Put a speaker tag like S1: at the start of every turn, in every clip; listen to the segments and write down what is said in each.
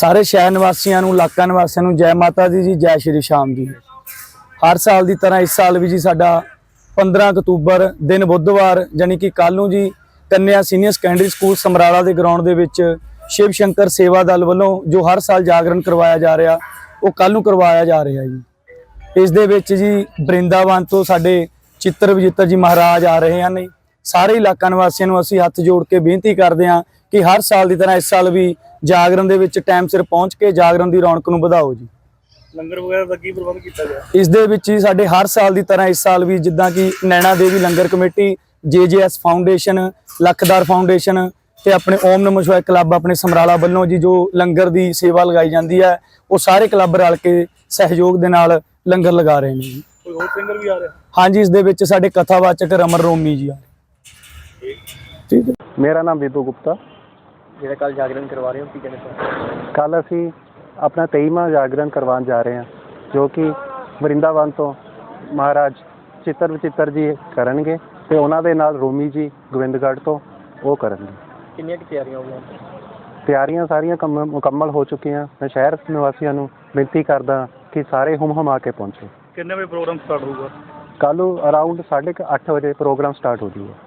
S1: ਸਾਰੇ ਸ਼ਹਿਰ ਨਿਵਾਸੀਆਂ ਨੂੰ, ਇਲਾਕਾ ਨਿਵਾਸੀਆਂ ਨੂੰ ਜੈ ਮਾਤਾ ਦੀ ਜੀ, ਜੈ ਸ਼੍ਰੀ ਸ਼ਾਮ ਜੀ। हर साल की तरह इस साल भी जी साडा 15 अक्तूबर दिन बुधवार यानी कि कल नूं जी कन्या सीनियर सैकेंडरी स्कूल समराला के ग्राउंड दे विच शिव शंकर सेवा दल वालों जो हर साल जागरण करवाया जा रहा वो कल नूं करवाया जा रहा जी। इस दे विच जी वृंदावन तो साडे चित्र विजेता जी महाराज आ रहे हैं। सारे इलाका निवासियों नूं असीं हत्थ जोड़ के बेनती करते हैं कि हर साल की तरह इस साल भी जागरण दे विच टाइम सिर पहुँच के जागरण की रौनक नूं वधाओ जी।
S2: लंगर वगैरह का की प्रबंध किया गया
S1: इस दे विच ही साडे हर साल की तरह इस साल भी जिद्दां कि Naina Devi langar committee, JJS foundation, Lakhdar foundation ते अपने ओम नमः शिवाय क्लब अपने समराला वालों जी जो लंगर की सेवा लगाई जाती है वो सारे क्लब रल के सहयोग के नाल लंगर लगा रहे हैं जी।
S2: कोई होर सिंगर भी आ रहा है?
S1: हाँ जी, इस दे विच साडे कथावाचक रमन रोमी जी आ रहे। ठीक है।
S3: मेरा नाम विदू गुप्ता।
S2: ਜਿਹੜਾ ਕੱਲ ਜਾਗਰਣ ਕਰਵਾ ਰਹੇ ਹੋ ਕੀ कहना ਚਾਹੁੰਦੇ?
S3: ਕੱਲ ਅਸੀਂ अपना 23वां जागरण करवाने जा रहे हैं जो कि वृंदावन तो महाराज चित्र विचित्र जी करनगे ते उन्हां दे नाल रोमी जी गोविंदगढ़ तो वो करनगे।
S2: किन्नियां की तैयारियां हो गईयां?
S3: तैयारियां सारियां मुकम्मल हो चुकी हैं। मैं शहर निवासियों नूं बेनती करदा कि सारे हुम हुमा के पहुंचे।
S2: कितने बजे प्रोग्राम स्टार्ट होगा?
S3: कल अराउंड 8:30 बजे प्रोग्राम स्टार्ट हो जाएगा।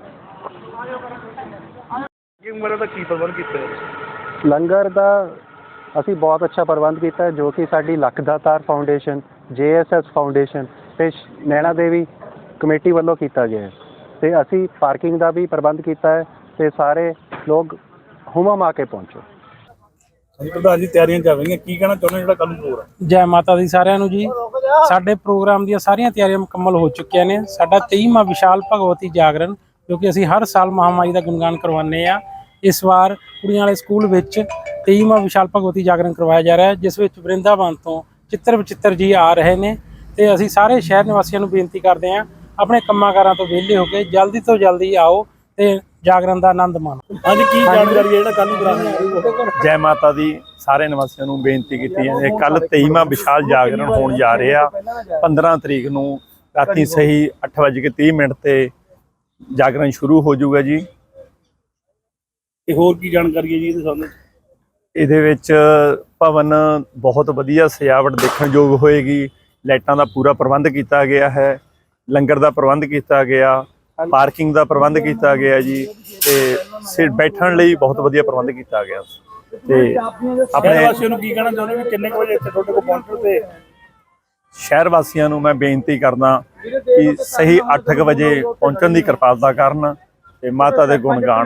S2: लंगर का की प्रबंध किया है?
S3: लंगर का ਅਸੀਂ ਬਹੁਤ ਅੱਛਾ ਪ੍ਰਬੰਧ ਕੀਤਾ ਹੈ ਜੋ ਕਿ ਸਾਡੀ ਲਖਦਾਤਾਰ ਫਾਊਂਡੇਸ਼ਨ, JSS ਫਾਊਂਡੇਸ਼ਨ ਤੇ ਨੈਣਾ ਦੇਵੀ ਕਮੇਟੀ ਵੱਲੋਂ ਕੀਤਾ ਗਿਆ ਹੈ ਤੇ ਅਸੀਂ ਪਾਰਕਿੰਗ ਦਾ ਵੀ ਪ੍ਰਬੰਧ ਕੀਤਾ ਹੈ ਤੇ ਸਾਰੇ ਲੋਕ ਹੁਮਾ ਕੇ ਪਹੁੰਚੋ।
S2: ਪ੍ਰਧਾਨ ਜੀ ਤਿਆਰੀਆਂ ਚੱਲ ਰਹੀਆਂ, ਕੀ ਕਹਿਣਾ ਚਾਹੁੰਦੇ ਜਿਹੜਾ ਕੱਲ ਨੂੰ ਪ੍ਰੋਗਰਾਮ?
S4: ਜੈ ਮਾਤਾ ਦੀ ਸਾਰਿਆਂ ਨੂੰ ਜੀ। ਸਾਡੇ ਪ੍ਰੋਗਰਾਮ ਦੀਆਂ ਸਾਰੀਆਂ ਤਿਆਰੀਆਂ ਮੁਕੰਮਲ ਹੋ ਚੁੱਕੀਆਂ ਨੇ। ਸਾਡਾ 23ਵਾਂ ਵਿਸ਼ਾਲ ਭਗਵਤੀ ਜਾਗਰਣ ਜੋ ਕਿ ਅਸੀਂ ਹਰ ਸਾਲ ਮਹਾਮਾਈ ਦਾ ਗੁਣਗਾਨ ਕਰਵਾਉਂਦੇ ਆ। इस बार कुड़ियां वाले स्कूल विच 23वां विशाल भगवती जागरण करवाया जा रहा है जिस विच वृंदावन तो चित्र विचित्र जी आ रहे हैं ते असीं सारे शहर निवासियों नूं बेनती करते हैं अपने कम्मां कारां तो विहले हो के जल्दी तो जल्दी आओ ते जागरण का आनंद माणो।
S2: हाँ जी, की जानकारी है जिहड़ा कल नूं कराना?
S5: जय माता दी सारे निवासियों नूं बेनती की है। कल 23वां विशाल जागरण होने जा रहा। 15 तरीक नूं राती सही 8:30 ते जागरण शुरू हो जाऊगा जी।
S2: होर की जानकारी है जी ਇਹਦੇ ਸਾਹਮਣੇ?
S5: ਇਹਦੇ ਵਿੱਚ ਭਵਨ ਬਹੁਤ ਵਧੀਆ ਸਜਾਵਟ ਦੇਖਣ ਯੋਗ ਹੋਏਗੀ। ਲਾਈਟਾਂ ਦਾ ਪੂਰਾ ਪ੍ਰਬੰਧ ਕੀਤਾ ਗਿਆ ਹੈ, ਲੰਗਰ ਦਾ ਪ੍ਰਬੰਧ ਕੀਤਾ ਗਿਆ, ਪਾਰਕਿੰਗ ਦਾ ਪ੍ਰਬੰਧ ਕੀਤਾ ਗਿਆ ਜੀ ਤੇ ਸਿਰ ਬੈਠਣ ਲਈ ਬਹੁਤ ਵਧੀਆ ਪ੍ਰਬੰਧ ਕੀਤਾ ਗਿਆ। ਤੇ
S2: ਆਪਣੇ ਵਾਸੀਆਂ ਨੂੰ ਕੀ ਕਹਿਣਾ ਚਾਹੁੰਦੇ ਵੀ ਕਿੰਨੇ ਵਜੇ ਇੱਥੇ ਤੁਹਾਡੇ ਕੋਲ ਪਹੁੰਚੋ? ਤੇ
S5: ਸ਼ਹਿਰ ਵਾਸੀਆਂ ਨੂੰ ਮੈਂ ਬੇਨਤੀ ਕਰਦਾ ਕਿ ਸਹੀ 8 ਵਜੇ ਪਹੁੰਚਣ ਦੀ ਕਿਰਪਾਲਤਾ ਕਰਨ ਤੇ ਮਾਤਾ ਦੇ ਗੁਣ ਗਾਣ